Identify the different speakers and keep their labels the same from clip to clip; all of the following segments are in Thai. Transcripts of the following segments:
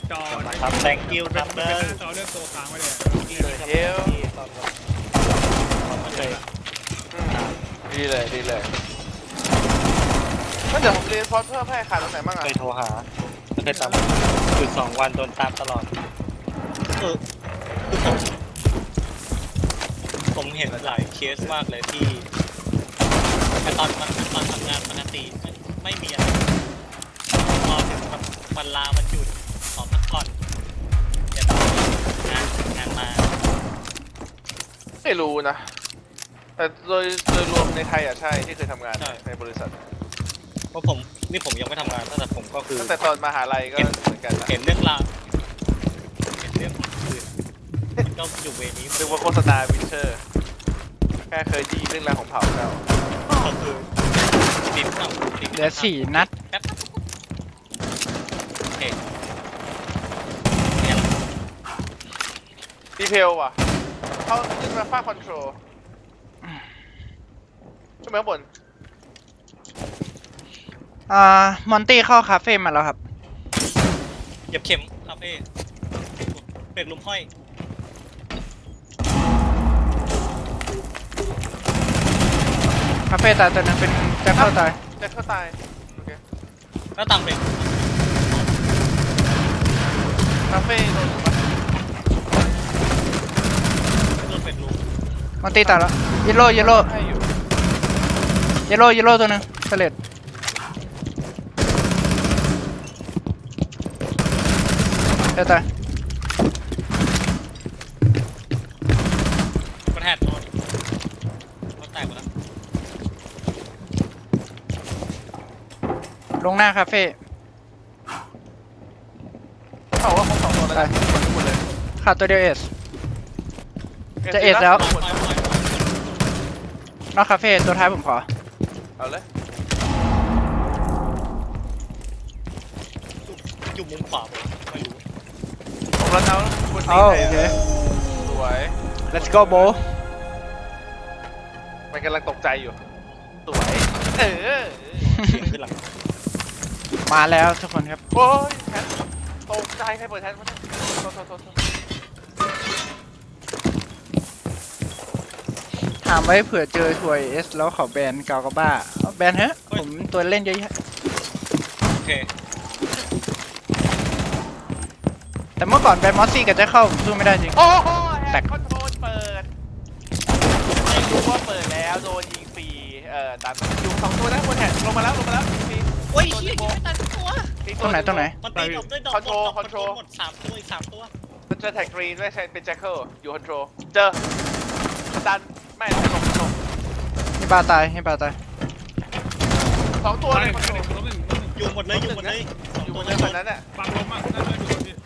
Speaker 1: จอ
Speaker 2: ครับแตงกิ้วครับเด้อ
Speaker 1: จอเลือกตัวค้างไว้เลย
Speaker 3: เดี๋ยว
Speaker 2: มันเลย
Speaker 3: ดีเลยงั้นเดี๋ยวผมเรียนพอดเพิ่มให้ขาดตรงไหนบ้างอ่ะ
Speaker 2: เคยโทรหาเคยตามคือ2 วันโดนตามตลอดคือผมเห็นหลายเคสมากเลยที่ตอนทำงานปกติไม่มีอะไรพอถึงวันลาวันหยุดขอพักผ่อนเดี๋ยวงานมา
Speaker 3: ไม่รู้นะแต่โดยรวมในไทยอ่ะใช่ที่เคยทำงานในบริษัท
Speaker 2: เพราะผมยังไม่ทำงานแต่ผมก็คือ
Speaker 3: ตั้งแต่ตอนมหาลัยก็เหมือนกันนะ
Speaker 2: เห็นเรื่องราวเห็นเรื่องอื่นก็อยู่เวนี้
Speaker 3: นึกว่าโฆษณาวินเชอร์แค่เคยไดีเรื่องราวของเผ่าเรา
Speaker 2: ก็คือติดเนาะ
Speaker 4: เหลือ4 นัด
Speaker 2: แป๊บโอเคเนี่ย
Speaker 3: ดีเทลว่ะเขาขึ้นมาฟาดคอนโทรลขึ้นไปข้างบน
Speaker 4: มอนตี้เข้าคาเฟ่มาแล้วครับ
Speaker 2: เหยียบเข็มคาเฟ่เบรกลุมห้อย
Speaker 4: คาเฟ่ตายตัวนึงเป็นแจ็คเข้าตาย
Speaker 3: แจ็คเข้าตายโอเค
Speaker 2: แล้วตามเบรก
Speaker 3: คาเฟ่โดนปะ
Speaker 2: โดนเบรกลุม
Speaker 4: มอนตี้ตายแล้วเยลโล่
Speaker 3: ให้อยู่
Speaker 4: เยลโล่ตัวนึงเสลดตาย
Speaker 2: กระแทกโดนรถแตกหมดแล้ว
Speaker 4: ลงหน้าคาเฟ่
Speaker 3: เขาว่าคง2 ตัวแล้วนะหมดเลย
Speaker 4: ขาดตัวเดียวเอส จะเอ็ดแล้ว
Speaker 2: ปล่อย
Speaker 4: นอกคาเฟ่ตัวท้ายผมขอ
Speaker 3: เอาเลย
Speaker 2: อยู่มุมขวาผมไม่รู้
Speaker 3: ผมรันเอาคน
Speaker 4: เอา
Speaker 3: นี้
Speaker 4: โอเค
Speaker 3: สวย
Speaker 4: let's go bro
Speaker 3: มันกำลังตกใจอยู่สวยเออ
Speaker 2: เสียงขึ้นหลัง
Speaker 4: มาแล้วทุกคนครับ
Speaker 3: โอ้ยแทนตกใจใครเปิดแทนวะโทษ
Speaker 4: ถามไว้เผื่อเจอถวยเอสแล้วเขาแบนกาวกาบ้าเอาแบนเฮ้ผมตัวเล่นเยอะแยะ
Speaker 2: โอเค
Speaker 4: แต่เมื่อก่อนแบนมอสซี่กับแจ็คเข้าผมสู้ไม่ได้จริง
Speaker 3: โอ้โหแฮ
Speaker 4: แต
Speaker 3: ก
Speaker 4: ก
Speaker 3: คอนโทรลเปิดไม่รู้ว่าเปิดแล้วโดนยิงฟรีดันอยู่2 ตัวนะบนแฮกลงมาแล้วฟรี
Speaker 2: โอ้ยเฮียยิงไม่ทันตัว
Speaker 4: ตรงไหน
Speaker 2: มันตีดอกด้วยดอก
Speaker 3: คอนโทรล
Speaker 2: หมด3 ตัวอีก 3 ตัว
Speaker 3: เจอแท็กกรีนไม่ใช่เป็นแจ็คเกิลอยู่คอนโทรลเจอดันไม่ลง
Speaker 4: ให้ปลาตาย
Speaker 3: 2 ตัวเลยคอนโทรล
Speaker 2: อยู่หมดเลยอยู่หมดเลย
Speaker 3: อยู่
Speaker 2: 2
Speaker 3: บ
Speaker 2: ตัวน
Speaker 3: เรือแบบนั้นน่ะ
Speaker 1: ฟังลมอ่ะน่าจะอยู่ที่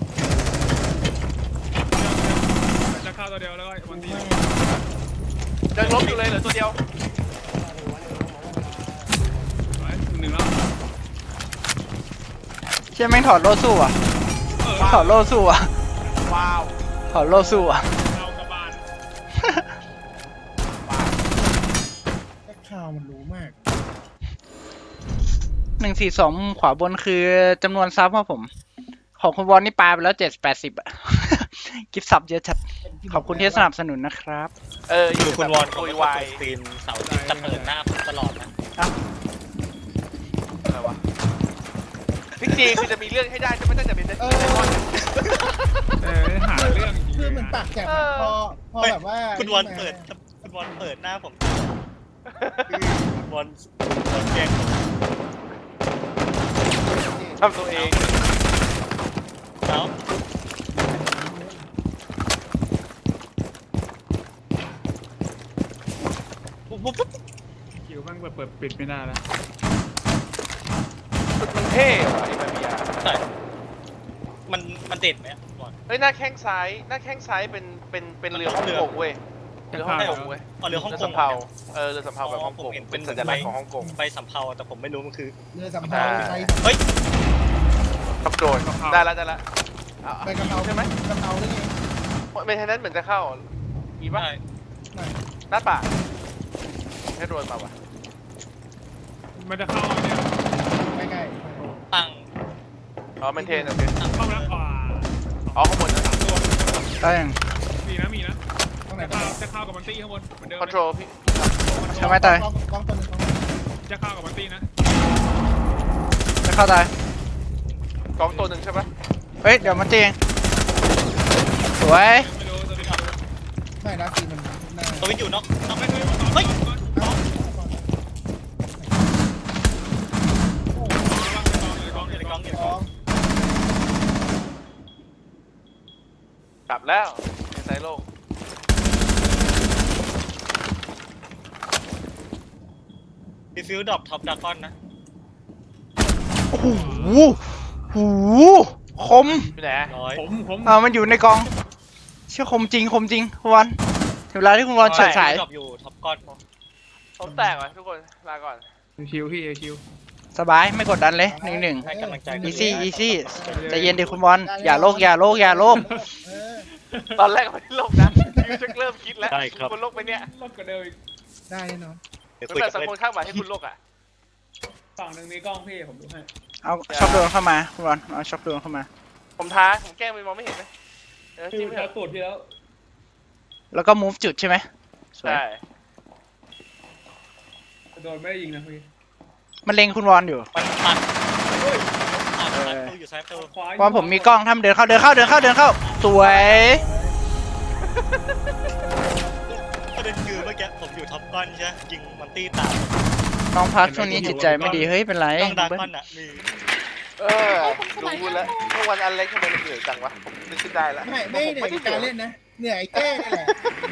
Speaker 1: จะเข้าตัวเดียวแล้วก็วันที่
Speaker 3: ยังล้มอยู่เลยเหลือตัวเดียว
Speaker 1: 1 แล้ว
Speaker 4: เชี่ยแม่งถอดโล่สู้อ่ะถอดโล่สู้อ่ะ
Speaker 3: ว้าว
Speaker 4: ถอดโล่สู้อ่ะ
Speaker 1: เรากระบาล
Speaker 5: ข่าวมันรู้มาก
Speaker 4: 142มุมขวาบนคือจำนวนซับครับผม ของคุณวอนนี่ปาไปแล้ว70-80อ่ะ กิฟต์ซับเยอะจัดขอบคุณที่สนับสนุนนะครับ
Speaker 3: อยู่
Speaker 2: คุณวอน
Speaker 3: คุ
Speaker 2: เขา
Speaker 3: ย
Speaker 2: ไม่
Speaker 3: วา
Speaker 2: เปิ
Speaker 3: ย
Speaker 2: ดสตรีมเสาร์อาทิตย์จะเปิดหน้าผมตลอดนะ
Speaker 3: อะไรวะพี่จีคือจะมีเรื่องให้ได้จะไม่ได้จะเป็นเรื่อง
Speaker 1: หาเรื่อง
Speaker 5: คือมันปากแจกอะพอแบบว่า
Speaker 2: คุณวอนเปิดหน้าผมคุณวอนแกล้งผม
Speaker 3: ทำตัวเอง
Speaker 2: แล้ว
Speaker 1: คิวมันเปิดปิดไม่ได้แล้ว
Speaker 3: มันเท่ว่ะไอ้มาเบีย
Speaker 2: ใช่มันเด่นไหมบอล
Speaker 3: เฮ้ยหน้าแข้งซ้ายเป็นเรือฮ่องกงเว้ยเรือฮ่องกงเว้ย
Speaker 2: เรือฮ่องกง
Speaker 3: สำเภาเรือสำเภาแบบฮ่องกงเป็นสัญลักษณ์ของฮ่องกง
Speaker 2: ไปสำเภาแต่ผมไม่รู้มันคือ
Speaker 5: เรือสำเภาไทย
Speaker 2: เฮ้ย
Speaker 3: ขับโดนได้แล้ว
Speaker 5: ไปกระเป๋า
Speaker 3: ใช่ไหม
Speaker 5: กระเป๋าได้ไง
Speaker 3: เมนเทนนั้นเหมือนจะเข้ามีป่ะ
Speaker 2: ใช่
Speaker 3: หน้าปากให้โดนมาวะ
Speaker 1: มันจะเข้าเนี่ย
Speaker 5: ใกล้
Speaker 2: ตั้ง
Speaker 3: อ๋อเมนเทนโอเค
Speaker 2: ตั้ง
Speaker 1: เข้าแล้ว
Speaker 3: อ๋อข้างบนนะ
Speaker 4: ได้ยัง
Speaker 1: มีนะมีนะ
Speaker 5: ตรงไหน
Speaker 1: จะเข้ากับมันตี้ข้างบนเหมือนเดิม
Speaker 3: คอนโทรลพี่
Speaker 4: ใช่ไหมตาย
Speaker 5: กล้องตัวหนึง
Speaker 1: จะเข้ากับมันตี้นะ
Speaker 4: จะเข้าตาย
Speaker 3: กล้องตัวหนึ่งใช่ปะ
Speaker 4: เฮ้ยเดี๋ยวมันตีเองสวย
Speaker 1: ไม่รู้ตัวนี้
Speaker 5: ไม่นะสีมันหน้า
Speaker 2: ตัววิทย์อยู่นอก
Speaker 1: ต้องไม่เคยมาก่อน
Speaker 2: เฮ้ย
Speaker 1: กองอยู่ในกองอยู่ในกอง
Speaker 5: กล้อง
Speaker 3: กลับแล้วในไซโลก
Speaker 2: ดีฟิวดรอปท็อปดากอนนะ
Speaker 4: โอ้โหโอ้โหคม
Speaker 3: พี่ไหน
Speaker 2: ร้อย
Speaker 1: ผม
Speaker 4: มันอยู่ในกองเชื่อคมจริงคุณวอนถึงเวลาที่คุณวอนเฉิดฉาย
Speaker 2: ดรอปอยู่ท็อปก้อน
Speaker 3: ผมแตกว่ะทุกคนลาก่อน
Speaker 1: ชิวพี่ชิว
Speaker 4: สบายไม่กดดันเลย1-1
Speaker 2: ให้กำลังใจ
Speaker 4: easy ใจเย็นดิคุณบอลอย่าโลก
Speaker 5: เออ
Speaker 3: ตอนแรกไม่ได้ลงนะยูจะเริ่มคิดแล้วคุณลกไปเนี่ย
Speaker 1: ลดกว่าเดิมอีก
Speaker 5: ได้แน่นอน
Speaker 2: เดี๋ยว
Speaker 3: ไม่
Speaker 2: คุย
Speaker 3: เป็
Speaker 2: กัน บ
Speaker 3: สัก
Speaker 2: เล่น
Speaker 3: คนข้างหมายให้คุณลกอ่ะ
Speaker 1: ฝั่งหนึ่งมีกล้องพี่ผมดูให้
Speaker 4: เอาช็อคโดนเข้ามาคุณบอลเอาช็อคโดนเข้ามา
Speaker 3: ผมท้าผมแกล้งไปมองไม่เห็นไหมจ
Speaker 1: พี่
Speaker 3: ริงไหม
Speaker 1: แล้ตูดพี่แล้ว
Speaker 4: แล้วก็ move จุดใช่ไหมสวย
Speaker 3: ใช่
Speaker 1: โดนไม่ได้ยิงนะพี่
Speaker 4: มันเล็งคุณวอนอยู่
Speaker 2: มันตัดตู้อยู่ซ้ายตู้
Speaker 1: ขวา
Speaker 4: บอลผมมีกล้องทำเดินเข้าสวย
Speaker 2: ประเด็นคือเมื่อกี้ผมอยู่ท็อปก้อนใช่ไหมยิงมันตี้ตาม
Speaker 4: น้องพักช่วงนี้จิตใจไม่ดีเฮ้ยเป็นไร
Speaker 2: ต้องดากอนอ่ะมี
Speaker 3: ดูแล้วเมื่อวันอันเล็กทำไมมันเหนื่อยจังวะผมนึกขึ้นได้แล้ว
Speaker 5: ไม่เหนื่อยการเล่นนะเหนื่อยแก้นี่แหละ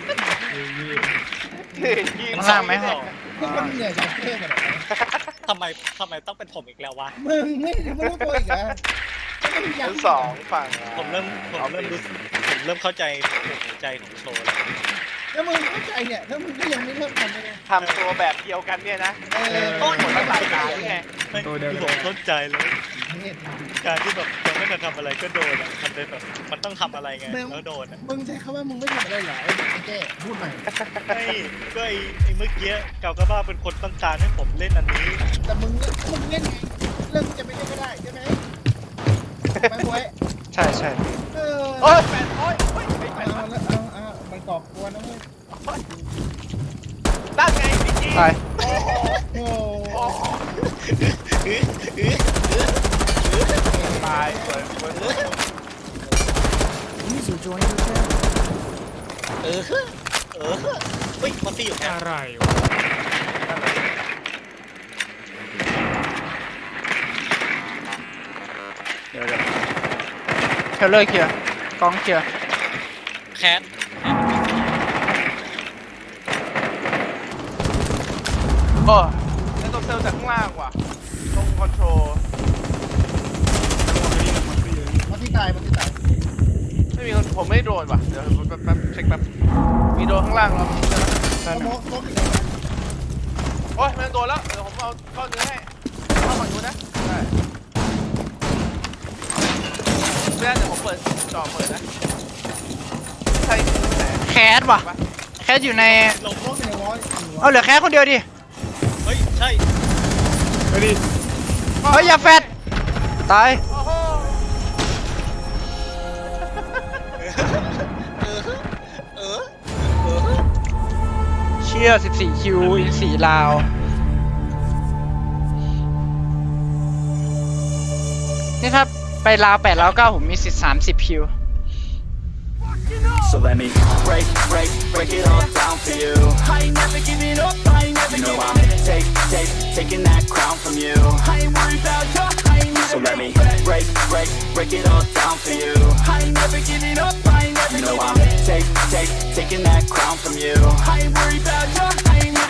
Speaker 4: ข้างล่างไหม
Speaker 5: นี่มันเหนื่อยจากแก้กันเหรอ
Speaker 2: ทำไมต้องเป็นผมอีกแล้ววะ
Speaker 5: มึงไม่รู้ตัวอีกเหรอ
Speaker 3: ชั้นสองฝั่ง
Speaker 2: ผมเริ่มเข้าใจหัวใจของโชว์แล้ว
Speaker 5: แล้วมึงเข้าใจเนี่ยแล้วมึงก็ยังไม่เลิกทำเลยนะ
Speaker 3: ทำตัวแบบเดียวกันเนี่ยนะ
Speaker 5: โอ้ย
Speaker 3: หมดตั้งหลายตาหรือไง
Speaker 2: ไม่คือผมเข้าใจเลย
Speaker 5: เนี่ย
Speaker 2: การที่แบบยังไม่ทันทำอะไรก็โดนอ่ะมันเป็นแบบมันต้องทำอะไรไงแล้วโดนอ่ะ
Speaker 5: มึงใช้คำว่ามึงไม่ทำอะไรหรอไอ้แก้พูดใหม่
Speaker 2: ไม่ก็ไอ้เมื่อกี้เกากระบ้าเป็นคนต้องการให้ผมเล่นอันนี้
Speaker 5: แต่มึงเล่นไงเรื่องจะไม่เล่นก็ได้ใช่ไหมไม่หวย
Speaker 4: ใช่
Speaker 3: โอ้ยแปดโอ้ยโอ้ย
Speaker 5: เอาแล้วเอามันกรอบกวนนะเว้ย
Speaker 3: ตั้งไงพี่จี
Speaker 4: ตาย
Speaker 5: โอ้
Speaker 3: โอ้ตายสวยสวย
Speaker 2: เฮ้ยมันตีอยู่แค่
Speaker 1: อะไรวะ
Speaker 4: เดี๋ยวเทเลอร์เคลียร์กองเคลียร์
Speaker 2: แคท
Speaker 3: โอ้แล้วต้องเซลจากข้างล่างว่ะตรงคอนโทรล
Speaker 5: มันที่ตาย
Speaker 3: ไม่มีคนผมไม่โดนว่ะเดี๋ยวแป๊บเช็คแป๊บมีโดนข้างล่างแล้ว
Speaker 5: โมกอีกแล้ว
Speaker 3: โอ้ยมันโดนแล้วเดี๋ยวผมเอาก้อนเนื้อให้เข้าฝั่งนู้นนะได้เดี๋ยวผมเปิดจอเปิดนะใช่แต่
Speaker 4: แคสว่ะแคสอยู่ใน
Speaker 2: ลง
Speaker 5: โมกในวอล
Speaker 4: เอาเหลือแคสคนเดียวดิ
Speaker 2: เฮ้ยใช่
Speaker 1: ไปดิ
Speaker 4: เฮ้ยอย่าแฟดตาย
Speaker 3: โอ้โห
Speaker 4: เชี่ย14คิวอีก4ลาวนี่ถ้าไปลาว8ลาว9ผมมีสิทธิ์30คิว
Speaker 6: So let me break it all down for you. I ain't never giving up, I ain't never giving up. Taking that crown from you. I ain't worried about you, I ain't never. So let me break it all down for you.